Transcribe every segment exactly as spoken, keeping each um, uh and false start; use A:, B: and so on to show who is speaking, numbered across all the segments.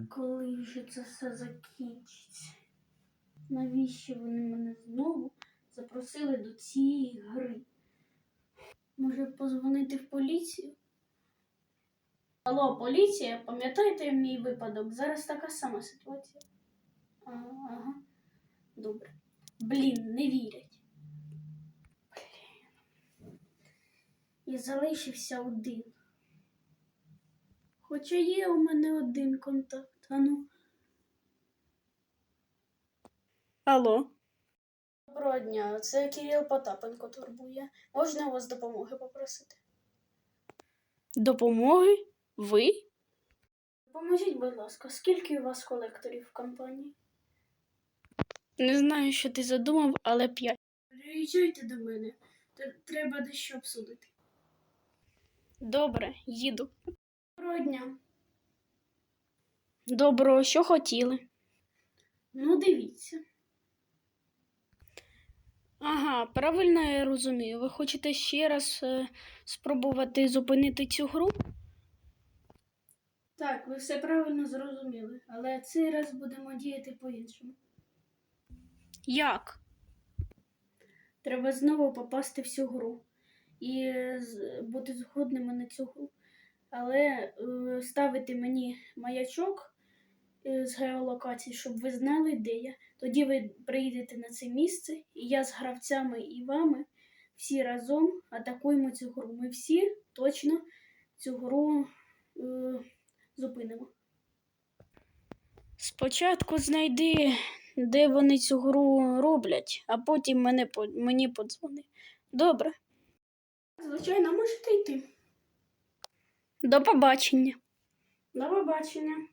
A: Коли вже це все закінчиться? Навіщо вони мене знову запросили до цієї гри? Може позвонити в поліцію? Алло, поліція, пам'ятаєте мій випадок? Зараз така сама ситуація. Ага, ага. Добре. Блін, не вірять. Блін. І залишився один. Хоча є у мене один контакт. Ану. Алло. Доброго дня, це Кирил Потапенко турбує. Можна у вас допомоги попросити? Допомоги? Ви? Поможіть, будь ласка, скільки у вас колекторів в компанії? Не знаю, що ти задумав, але п'ять. Приїжджайте до мене. Треба дещо обсудити. Добре, їду. Доброго дня. Доброго, що хотіли? Ну, дивіться. Ага, правильно я розумію. Ви хочете ще раз е, спробувати зупинити цю гру? Так, ви все правильно зрозуміли, але цей раз будемо діяти по-іншому. Як? Треба знову попасти в цю гру і е, з- бути згодними на цю гру. Але е, ставити мені маячок е, з геолокації, щоб ви знали, де я. Тоді ви приїдете на це місце, і я з гравцями і вами всі разом атакуємо цю гру. Ми всі точно цю гру е, зупинимо. Спочатку знайди, де вони цю гру роблять, а потім мене, по- мені подзвони. Добре? Звичайно, можете йти. До побачення. До побачення.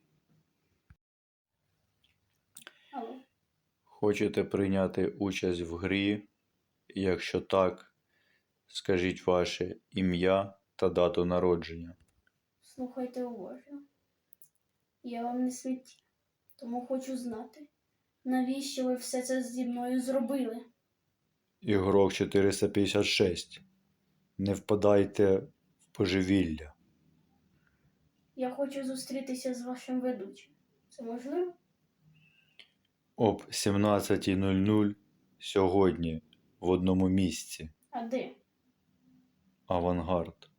A: Алло.
B: Хочете прийняти участь в грі? Якщо так, скажіть ваше ім'я та дату народження.
A: Слухайте уважно. Я вам не святі, тому хочу знати, навіщо ви все це зі мною зробили?
B: Ігрок чотириста п'ятдесят шість. Не впадайте в божевілля.
A: Я хочу зустрітися з вашим ведучим. Це можливо?
B: Об сімнадцята нуль нуль сьогодні в одному місці.
A: А де?
B: Авангард.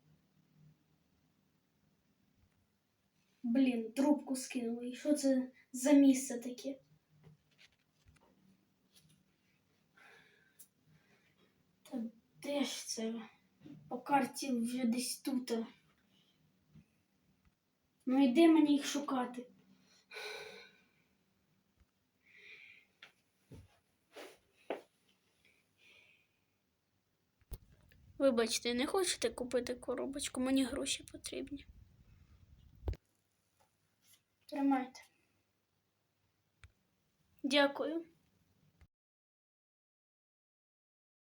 A: Блін, трубку скинули. І що це за місце таке? Та де ж це? По карті вже десь тут. Ну і де мені їх шукати? Вибачте, не хочете купити коробочку? Мені гроші потрібні. Тримайте. Дякую.